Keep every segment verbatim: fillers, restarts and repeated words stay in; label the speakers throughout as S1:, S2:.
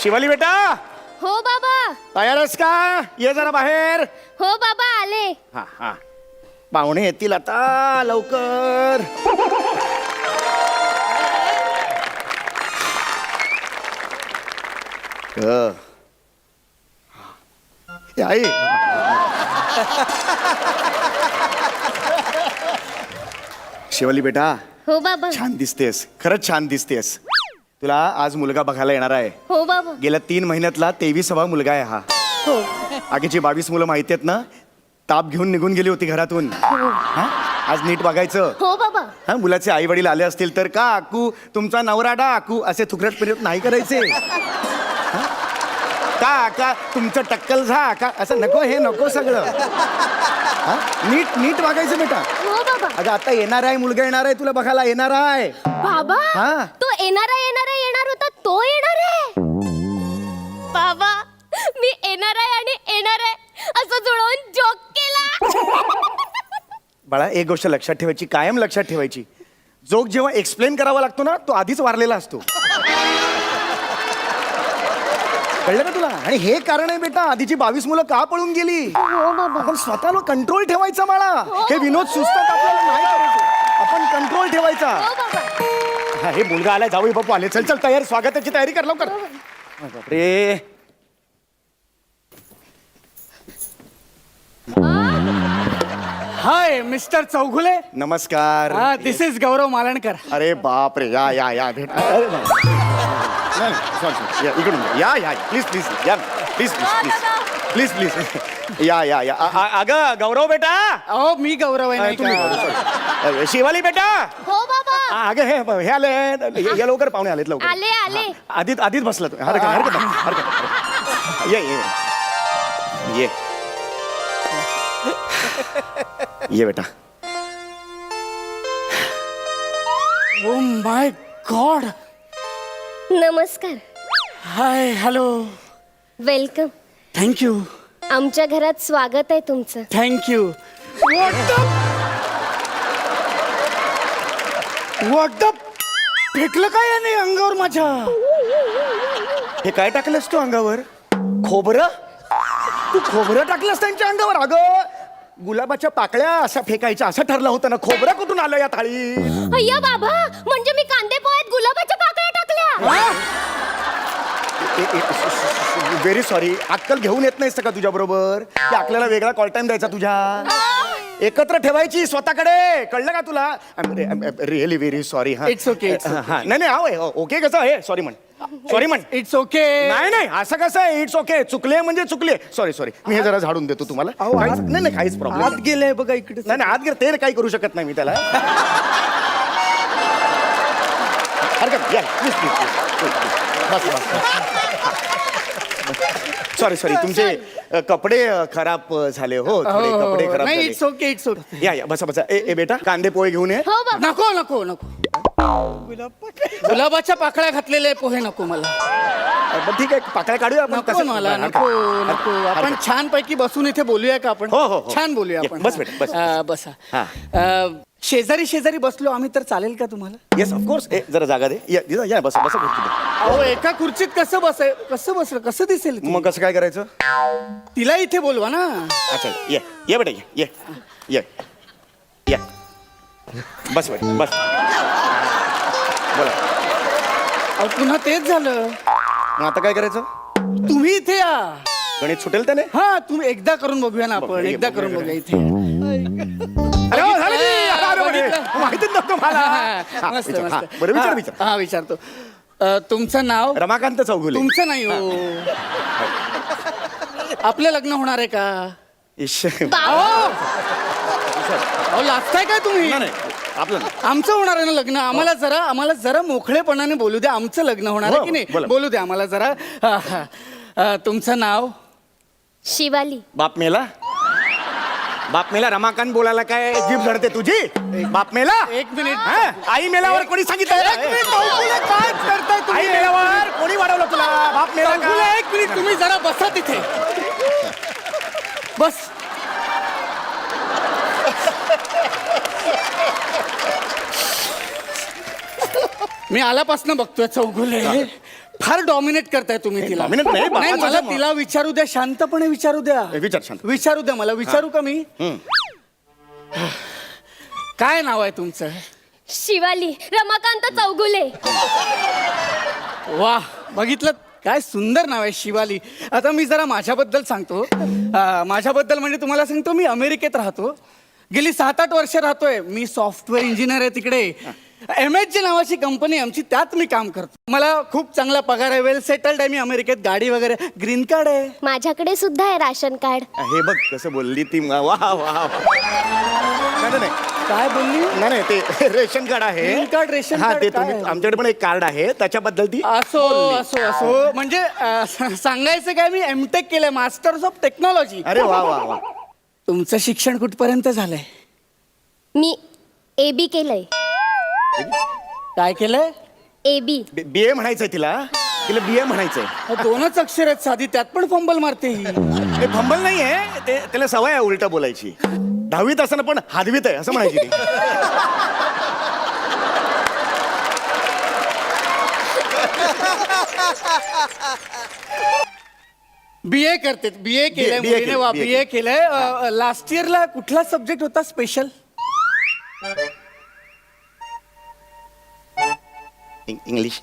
S1: शिवाली बेटा,
S2: हो बाबा.
S1: तयार आहेस का? ये जरा बाहेर.
S2: हो बाबा आले.
S1: हा हा पाहुणे येतील आता, लवकर. अ. हे आई. शिवाली बेटा,
S2: हो बाबा.
S1: छान दिसतेस, खरंच छान दिसतेस. तुला आज मुलगा बघायला येणार आहे.
S2: हो बाबा.
S1: गेल्या तीन महिन्यातला तेविसावा मुलगा आहे हा.
S2: हो.
S1: आगीची बावीस मुलं माहिती आहेत ना, ताप घेऊन निघून गेली होती घरातून. हा? आज नीट बघायचं.
S2: हो बाबा.
S1: हा, मुलाचे आई वडील आले असतील तर का आकू तुमचा नवरा डा आकू असे थुकरट पिरत नाही करायचे. हा? का का तुमचं टक्कल झा का असं नको, हे नको सगळं. हा? नीट नीट वागायचं बेटा.
S2: हो बाबा.
S1: अगं आता येणार आहे, मुलगा येणार आहे, तुला बघायला येणार आहे.
S2: बाबा
S1: हा.
S2: तो येणारा येणारा येणार होता, तो येणार आहे. बाबा मी येणार आहे आणि येणार आहे असं जुळवून जोक केला.
S1: बाळा, एक गोष्ट लक्षात ठेवायची, कायम लक्षात ठेवायची. जोक जेव्हा एक्सप्लेन करावा लागतो ना, तो आधीच वारलेला असतो. कळलं का तुला? आणि हे कारण आहे बेटा, आधीची बावीस मुलं का पळून गेली.
S2: हो बाबा.
S1: आपण स्वतःला कंट्रोल ठेवायचा बाळा. हे विनोद सुचतात आपल्याला, नाही करायचे. आपण कंट्रोल ठेवायचा.
S2: हो बाबा.
S1: हा, हे मुलगा आलाय, जावई बापू आले. चल चल तयार, स्वागताची तयारी कर लवकर. बापरे.
S3: Hi mister Chougule.
S1: नमस्कार.
S3: हा दिस इज गौरव मालणकर.
S1: अरे बाप रे, या या या भेट. अरे नाही. नाही, sorry, sorry. या, इकडून या या प्लीज प्लीज या please please please please please या या या अ- अ- अगं गौरव बेटा.
S3: अहो मी गौरव आहे नाही
S1: तुम्ही
S3: का?
S1: गौरव, sorry. शिवाली बेटा.
S2: हो बाबा.
S1: आ, अगं हे हे आले, हे- हे लवकर पाहुणे आलेत लवकर.
S2: आले आले.
S1: आधीच आधीच बसला तू. हरकत नाही, हरकत नाही, हरकत नाही. ये ये ये ये बेटा.
S3: Oh my God.
S2: नमस्कार.
S3: Hi hello.
S2: वेलकम.
S3: थँक्यू
S2: आमच्या घरात स्वागत आहे तुमचं.
S3: Thank you. What the what the फेकलं काय याने अंगावर माझ्या?
S1: हे काय टाकलंस तू अंगावर? खोबरं? तू खोबरं टाकलंस त्यांच्या अंगावर? अगं गुलाबाच्या पाकळ्या अशा फेकायच्या असं ठरलं होतं ना. खोबरं कुठून आलं या थाळी?
S2: अय्या बाबा, म्हणजे मी कांदे पोह्यात गुलाबाच्या पाकळ्या टाकल्या.
S1: Very sorry. अक्कल घेऊन येत नाहीस का तुझ्या बरोबर? की आपल्याला वेगळा कॉल टाइम द्यायचा तुझ्या? एकत्र ठेवायची स्वतःकडे, कळलं का तुला? Really very sorry. हा
S3: It's okay, it's okay.
S1: हा नाही नाही हा ओके कसं आहे? सॉरी म्हण, सॉरी म्हण.
S3: It's okay.
S1: नाही नाही असं कसं आहे? It's okay. चुकले म्हणजे चुकले. Sorry sorry. मी हे जरा झाडून देतो तुम्हाला.
S3: अहो,
S1: काहीच-
S3: आत-
S1: नाही नाही काहीच प्रॉब्लेम
S3: आत गेलंय बघा इकडे.
S1: नाही नाही आत गेलं ते काही करू शकत नाही मी त्याला. हरकत या प्लीज प्लीज प्लीज बस बस. सॉरी सॉरी तुमचे अ, कपडे अ, खराब अ, झाले हो. थोडे कपडे खराब
S3: नाही
S1: झाले.
S3: It's okay it's okay.
S1: या या बसा बसा. ए ए बेटा कांदे पोहे घेऊन ये.
S2: हो बाबा.
S3: नको नको नको. गुलाबाच्या पाकळ्या घातलेले पोहे नको मला.
S1: अ, बरं, ठीक आहे पाकळ्या काढूया आपण.
S3: नको
S1: कसं-
S3: मला
S1: हरकत-
S3: नको
S1: हरकत-
S3: नको. आपण
S1: हरकत.
S3: छान पैकी बसून इथे बोलूया का आपण?
S1: हो, हो, हो.
S3: छान बोलूया
S1: ये,
S3: आपण.
S1: बस बेटा, बस.
S3: हा, बसा.
S1: हा.
S3: अ, शेजारी शेजारी बसलो आम्ही तर चालेल का तुम्हाला?
S1: Yes of course. ए जरा जागा दे. या या, या बसा बसा खुर्चीत.
S3: अहो एका खुर्चीत कसं बसाय कसं बसलं कसं दिसेल ते?
S1: मग कसं काय करायचं?
S3: तिला इथे बोलवा ना.
S1: अच्छा ये ये बेटा ये ये ये ये बस बेटा बस. बोला.
S3: अहो, पुन्हा तेच झालं.
S1: मग आता काय करायचं?
S3: तुम्ही इथे या.
S1: गणित सुटेल त्याने?
S3: हा तुम्ही एकदा करून बघूया ना आपण.
S1: बघूया,
S3: एकदा
S1: बघूया,
S3: करून
S1: बघूया.
S3: बघूया इथे.
S1: अरे हो, झालं की? अरे, अरे, अरे,
S3: बघितलं.
S1: माहितीच नव्हतं मला. हा,
S3: मस्त
S1: विचार, हा,
S3: मस्त.
S1: बरं विचार
S3: हा,
S1: विचार.
S3: हा विचारतो. अ, तुमचं नाव?
S1: रमाकांत चौगुले.
S3: तुमचं नाही हो. आपलं लग्न होणार आहे का?
S1: इश्श.
S3: अहो अहो, लाजताय काय तुम्ही?
S1: नाही, नाही, आपलं नाही.
S3: आमचं होणार आहे ना लग्न. आम्हाला जरा आम्हाला जरा मोकळेपणाने बोलू द्या. आमचं लग्न होणार आहे
S1: हो,
S3: की नाही?
S1: बोला.
S3: बोलू द्या आम्हाला जरा. हा, हा. अ, तुमचं नाव?
S2: शिवाली.
S1: बाप मेला बाप मेला रमाकांत बोलायला काय जीभ झडते तुझी? बाप मेला.
S3: एक मिनिट.
S1: हा? आई मेल्यावर कोणी सांगितलं?
S3: एक मिनिट, चौगुले, काय करताय तुम्ही?
S1: आई मेल्यावर कोणी वाढवलं तुला? बाप मेला का?
S3: चौगुले, एक मिनिट तुम्ही जरा बसा तिथे. बस. मी आल्यापासून बघतोय चौगुले फार डॉमिनेट करताय तुम्ही तिला.
S1: dominate नाही,
S3: नाही
S1: बापाचा
S3: मला
S1: जन्म.
S3: तिला विचारू द्या, शांतपणे विचारू द्या.
S1: ए, विचार शांत.
S3: विचारू द्या मला. विचारू का मी?
S1: हम्म.
S3: काय नाव आहे तुमचं?
S2: शिवाली रमाकांत चौगुले.
S3: वा, बघितलं काय सुंदर नाव आहे शिवाली. आता मी जरा माझ्याबद्दल सांगतो. अं, माझ्याबद्दल म्हणजे तुम्हाला सांगतो, मी अमेरिकेत राहतो. गेली सात आठ वर्ष राहतोय. मी सॉफ्टवेअर इंजिनियर आहे तिकडे. एम एच जी नावाची कंपनी आमची, त्यात मी काम करतो. मला खूप चांगला पगार आहे. वेल सेटल्ड आहे मी अमेरिकेत. गाडी वगैरे, ग्रीन कार्ड आहे.
S2: माझ्याकडे सुद्धा आहे राशन कार्ड.
S1: हे बघ कसं बोलली ती. वा वा वा. नाही नाही
S3: काय बोलली?
S1: नाही नाही ते रेशन कार्ड आहे.
S3: ग्रीन कार्ड, रेशन
S1: हा
S3: कार्ड
S1: ते
S3: काय
S1: तुम्ही
S3: आहे?
S1: आमच्याकडे पण एक कार्ड आहे त्याच्याबद्दल ती
S3: असो असो असो म्हणजे अं, स- सांगायचं काय, मी एमटेक केलंय, मास्टर्स ऑफ टेक्नॉलॉजी.
S1: अरे वा वा वा.
S3: तुमचं शिक्षण कुठपर्यंत झालंय?
S2: मी ए बी केलंय.
S3: काय केलंय?
S2: A B.
S1: बी ए म्हणायचंय तिला. तिला बी ए म्हणायचंय.
S3: अहो, दोनच अक्षर आहेत साधी, त्यात पण फंबल मारते ही.
S1: ते फंबल नाहीये ते, त्याला सवय आहे उलट बोलायची. दहावीत असताना पण हादवीत आहे असं म्हणायची ती.
S3: बी ए करते. बी ए केलंय
S1: B A
S3: मुलीने. वा,
S1: B A
S3: बी ए केलंय. लास्ट इयरला कुठला सब्जेक्ट होता स्पेशल?
S1: इंग- इंग्लिश.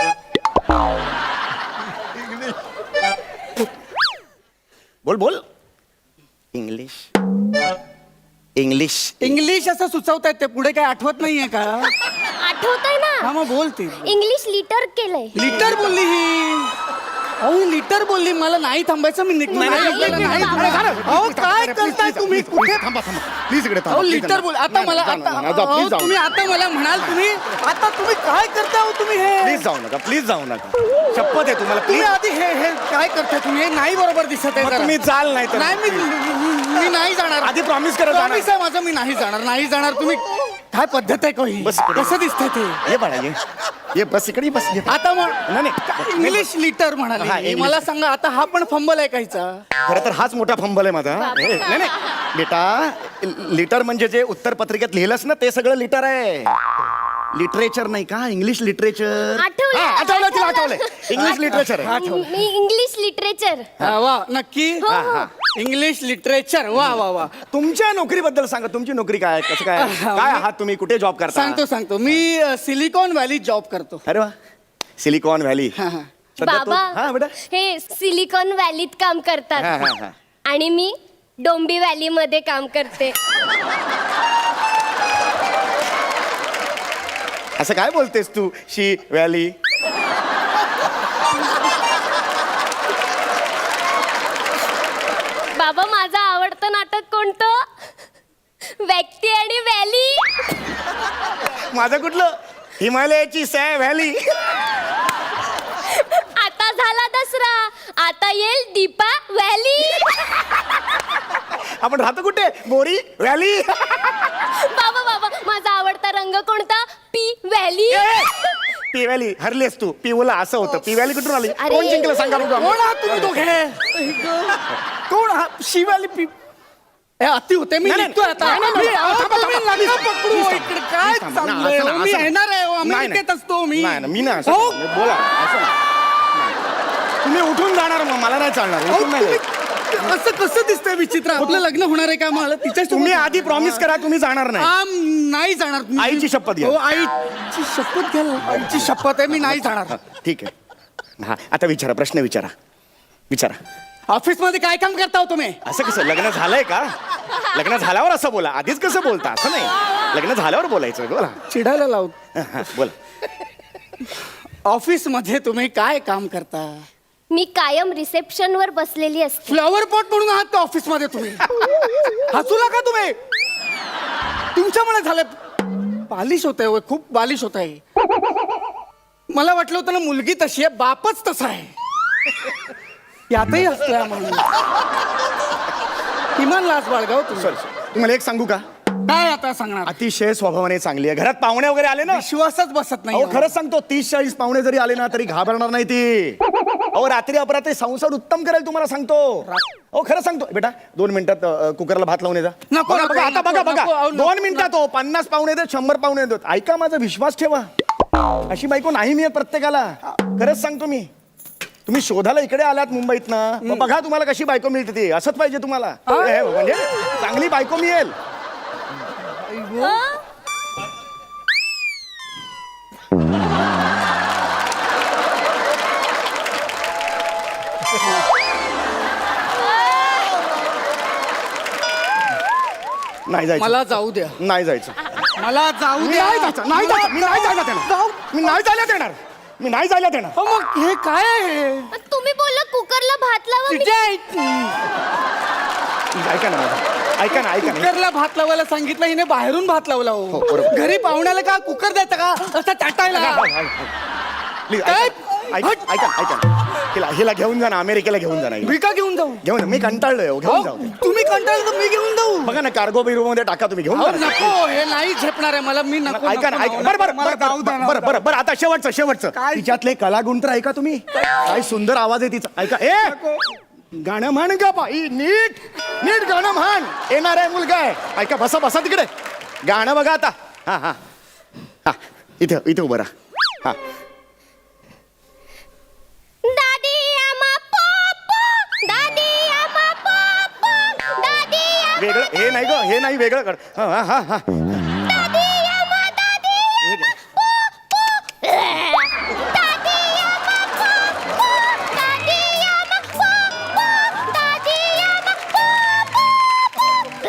S1: बोल बोल. इंग्लिश इंग्लिश
S3: इंग्लिश असं सुचवतायत ते, पुढे काय आठवत नाहीये का?
S2: आठवतंय
S3: हा
S2: ना.
S3: मग बोलते.
S2: इंग्लिश लिटर केलंय.
S3: लिटर बोलली ही. अहो ही लिटर बोलली. मला नाही थांबायचं, मी निघतो.
S1: नाही,
S3: नाही,
S1: नाही,
S3: नाही,
S1: नाही,
S3: नाही,
S1: नाही,
S3: नाही.
S1: नाही,
S3: अहो काय करताय तुम्ही? कुठे?
S1: थांबा थांबा प्लीज इकडे
S3: अहो लिटर बोल. आता मला आता अहो, तुम्ही आता मला म्हणाल तुम्ही आता तुम्ही काय करता हो तुम्ही हे?
S1: प्लीज जाऊ नका प्लीज जाऊ नका. शपथ आहे तुम्हाला
S3: तुम्ही
S1: प्लीज.
S3: आधी हे हे काय करताय तुम्ही? हे नाही बरोबर दिसत आहे
S1: मग
S3: जरा.
S1: तुम्ही चाल नाही तर.
S3: नाही मी मी- मी नाही जाणार.
S1: आधी प्रॉमिस करा जाणार.
S3: प्रॉमिस आहे माझं, मी नाही जाणार. नाही जाणार. तुम्ही काय पद्धत आहे काही?
S1: बस इकडे.
S3: कसं दिसतंय ते?
S1: ये बाळा ये ये बस इकडे बस ये.
S3: आता मग
S1: नाही, नाही.
S3: इंग्लिश लिटर
S1: हा,
S3: म्हणाले.
S1: इंग्लिश.
S3: मला सांगा आता हा पण फंबल आहे काहीचा?
S1: खरं तर हाच मोठा फंबल आहे माझा. हे, नाही नाही बेटा, लिटर म्हणजे जे उत्तर पत्रिकेत लिहिलंस ना ते सगळं लिटर आहे. लिटरेचर नाही का? English literature.
S2: आठवलं,
S1: हा, आठवलं तिला
S2: आठवलं.
S1: आठवलंय. इंग्लिश लिटरेचर आहे.
S2: मी इंग्लिश लिटरेचर.
S3: हा, वा नक्की.
S1: हा, हा.
S3: English literature. वा वा वा.
S1: तुमच्या नोकरीबद्दल सांगा. तुमची नोकरी काय आहे? कसं काय आहे? काय आहात तुम्ही? कुठे जॉब करता?
S3: सांगतो सांगतो मी सिलिकॉन व्हॅली जॉब करतो.
S1: अरे वा. Silicon Valley.
S3: हा, हा.
S1: सध्या तो-
S2: बाबा
S1: हा बेटा.
S2: हे सिलिकॉन व्हॅलीत काम
S1: हा, हा,
S2: करतात
S1: हा.
S2: आणि मी डोंबी व्हॅली मध्ये काम करते.
S1: असं काय बोलतेस तू? शी व्हॅली.
S2: बाबा माझं आवडतं नाटक कोणतं? व्यक्ती आणि व्हॅली.
S1: माझं कुठलं? हिमालयाची सॅ व्हॅली.
S2: आता झाला दसरा, आता येईल दीपा व्हॅली.
S1: आपण राहतो कुठे? बोरी व्हॅली.
S2: बाबा बाबा माझा आवडता रंग कोणता? P valley.
S1: P valley. हरलीस तू. पिवला असं होतं. पी व्हॅली कुठून आली?
S2: अरे.
S1: कोण जिंकलं सांगा बघू.
S3: कोण आहात तुम्ही दोघे? कोण हा शिवाली पी? ए, अति होते. मी
S1: नाही, नाही.
S3: निघतोय आता.
S1: नाही, नाही, नाही.
S3: मी- अहो,
S1: थांबा,
S3: तुम्ही
S1: थांबा.
S3: नका
S1: Please,
S3: पकडू.
S1: please,
S3: इकडे
S1: थांबा.
S3: काय
S1: Please, थांबा. नाही,
S3: चाललंय?
S1: असं नाही,
S3: मी
S1: असं
S3: येणार आहे.
S1: नाही.
S3: अमेरिकेत असतो मी.
S1: नाही ना, मी नाही असं
S3: अहो,
S1: नाही. बोला असं नाही. नाही. तुम्ही उठून जाणार मग मला नाही चालणार.
S3: अहो,
S1: उठून नाही
S3: तुम्ही-
S1: जायचं.
S3: असं कसं दिसतंय विचित्र? आपलं लग्न होणार आहे का? मला तिच्या
S1: तुम्ही आधी प्रॉमिस करा तुम्ही जाणार नाही.
S3: आम नाही जाणार. तुम्ही-
S1: आईची शपथ घ्या.
S3: हो आईची शपथ घ्या. आईची शपथ आहे, मी नाही जाणार.
S1: हा, ठीक आहे. हा आता विचारा. प्रश्न विचारा. विचारा.
S3: ऑफिस मध्ये काय काम करता हो तुम्ही?
S1: असं कसं? लग्न झालंय का? लग्न झाल्यावर असं बोला. आधीच कसं बोलता? असं नाही. लग्न झाल्यावर बोलायचं. बोला.
S3: चिडायला लावत.
S1: हा, हा, बोला.
S3: ऑफिस मध्ये तुम्ही काय काम करता?
S2: मी कायम रिसेप्शन वर बसलेली असते.
S3: फ्लॉवर पॉट म्हणून आहात का ऑफिस मध्ये तुम्ही? हसू नका तुम्ही. तुमच्यामुळे झालं. बालिश होत आहे, खूप बालिश होत आहे. मला वाटलं होतं ना मुलगी तशी आहे, बापच तसा आहे. यातही हसतोय म्हणून. किमान लाज बाळगाव तुम्ही.
S1: सॉरी तुम्हाला एक सांगू का?
S3: काय आता सांगणार?
S1: अतिशय स्वभावाने चांगली आहे. घरात पाहुणे वगैरे आले ना,
S3: विश्वासच बसत नाही.
S1: अहो खरंच सांगतो, तीस चाळीस पाहुणे जरी आले ना तरी घाबरणार नाही ती. अहो रात्री अपरात्री संसार उत्तम करेल तुम्हाला सांगतो. अहो खरं सांगतो बेटा. दोन मिनिटात अ, कुकरला भात लावून येजा.
S3: नको,
S1: बघा,
S3: नको,
S1: बघा, आता
S3: नको,
S1: बघा
S3: नको,
S1: बघा
S3: अहो, नको,
S1: दोन मिनिटात हो पन्नास पाहुणे देत शंभर पाहुणे देत. ऐका माझा विश्वास ठेवा. अशी बायको नाही मिळत प्रत्येकाला. खरंच सांगतो मी. तुम्ही शोधाला इकडे आलात मुंबईत ना, मग बघा तुम्हाला कशी बायको मिळते ती. असंच पाहिजे तुम्हाला. हे, म्हणजे चांगली बायको मिळेल. नाही जायचं.
S3: मला जाऊ द्या.
S1: नाही जायचं.
S3: मला जाऊ
S1: मी
S3: द्या.
S1: नाही जायचं. नाही जायचं. मी नाही जायला देणार.
S3: जाऊ.
S1: मी नाही जायला देणार. मी नाही जायला देणार.
S3: अहो, मग हे काय आहे?
S2: तुम्ही बोलला कुकरला भात लावा. मी-
S3: तुझ्या
S1: ऐका ना माझं. ऐका ना ऐका ना
S3: कुकरला भात लावायला सांगितलं, हिने बाहेरून भात लावला.
S1: हो,
S3: हो
S1: बरोबर.
S3: घरी पाहुण्याला का कुकर द्यायचा का असं टाटायला?
S1: प्लीज
S3: काय?
S1: ऐका ऐका ऐका ऐका. हिला हिला घेऊन जा ना, अमेरिकेला घेऊन जा ना.
S3: मी का घेऊन जाऊ?
S1: घेऊन जा. मी कंटाळलोय हो, घेऊन
S3: अहो,
S1: जाऊ.
S3: तुम्ही कंटाळलं तर मी घेऊन जाऊ.
S1: बघा ना, कार्गो बिर्गो मध्ये टाका तुम्ही. घेऊन
S3: अहो,
S1: जा ना.
S3: नको, हे नाही झेपणार आहे मला. मी नको
S1: ऐका ना
S3: नको,
S1: ऐका.
S3: नको,
S1: बरं बरं
S3: मला
S1: बरं
S3: जाऊ द्या ना.
S1: बरं बरं बरं आता शेवटचं शेवटचं
S3: काय?
S1: तिच्यातले कलागुण तर ऐका तुम्ही. काय सुंदर आवाज आहे तिचा. ऐका. ए गाणं म्हण ग बाई. नीट नीट गाणं म्हण. येणार आहे मुलगा आहे. ऐका. बसा बसा तिकडे. गाणं बघा आता. हा हा हा इथे इथे उभं राहा. हा
S2: दादी आमा पोपो, दादी आमा पोपो, दादी आमा-
S1: वेगळं हे नाही ग. हे नाही वेगळं कर. हा हा हा हा
S2: दादी आमा, दादी
S1: हे घे.
S2: पोपो. दादी आमा पोपो, दादी आमा पोपो, दादी आमा पोपो.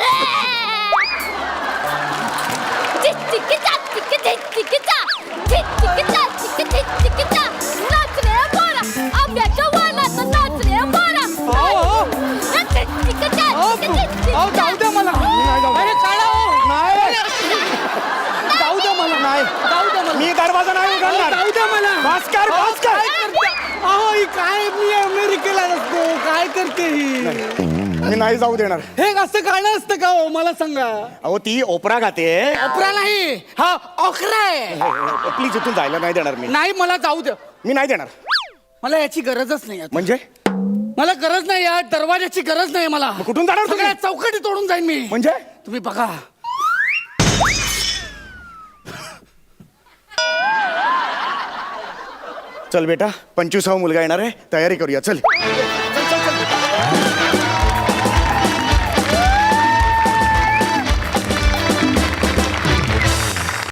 S2: झिक-झिक-झा, झिक-झिक-झा, झिक-झिक-झा, झिक-झिक-झा. नाच रे पोरा, आंब्याच्या वालात नाच रे पोरा.
S3: अहो,
S2: झिक-झिक-झा,
S3: अहो,
S2: झिक-झिक-झा.
S3: अहो, जाऊ द्या मला.
S1: नाही जाऊ.
S3: अरे, काढा हो.
S1: नाही
S3: जाऊ द्या मला.
S1: नाही.
S3: जाऊ द्या मला.
S1: मी दरवाजा नाही
S3: अहो,
S1: उघडणार.
S3: जाऊ द्या मला.
S1: भास्कर,
S3: अहो,
S1: भास्कर.
S3: काय करते? अहो, ही काय, मी अमेरिकेला नसतो. काय करते ही?
S1: मी नाही जाऊ देणार.
S3: हे असं गाणं असतं का हो? मला सांगा.
S1: अहो ती ओपरा गाते.
S3: ओपरा नाही, हा ओखरा आहे.
S1: प्लीज इथून जायला नाही देणार मी.
S3: नाही, मला जाऊ द्या.
S1: मी नाही देणार.
S3: मला याची गरजच नाही आता.
S1: म्हणजे
S3: मला गरज नाही या दरवाजाची गरज नाही मला.
S1: मग कुठून जाणार तुम्ही?
S3: सगळ्या चौकटी तोडून जाईन मी.
S1: म्हणजे
S3: तुम्ही बघा.
S1: चल बेटा, पंचवीसावा मुलगा येणार आहे. तयारी करूया. चल.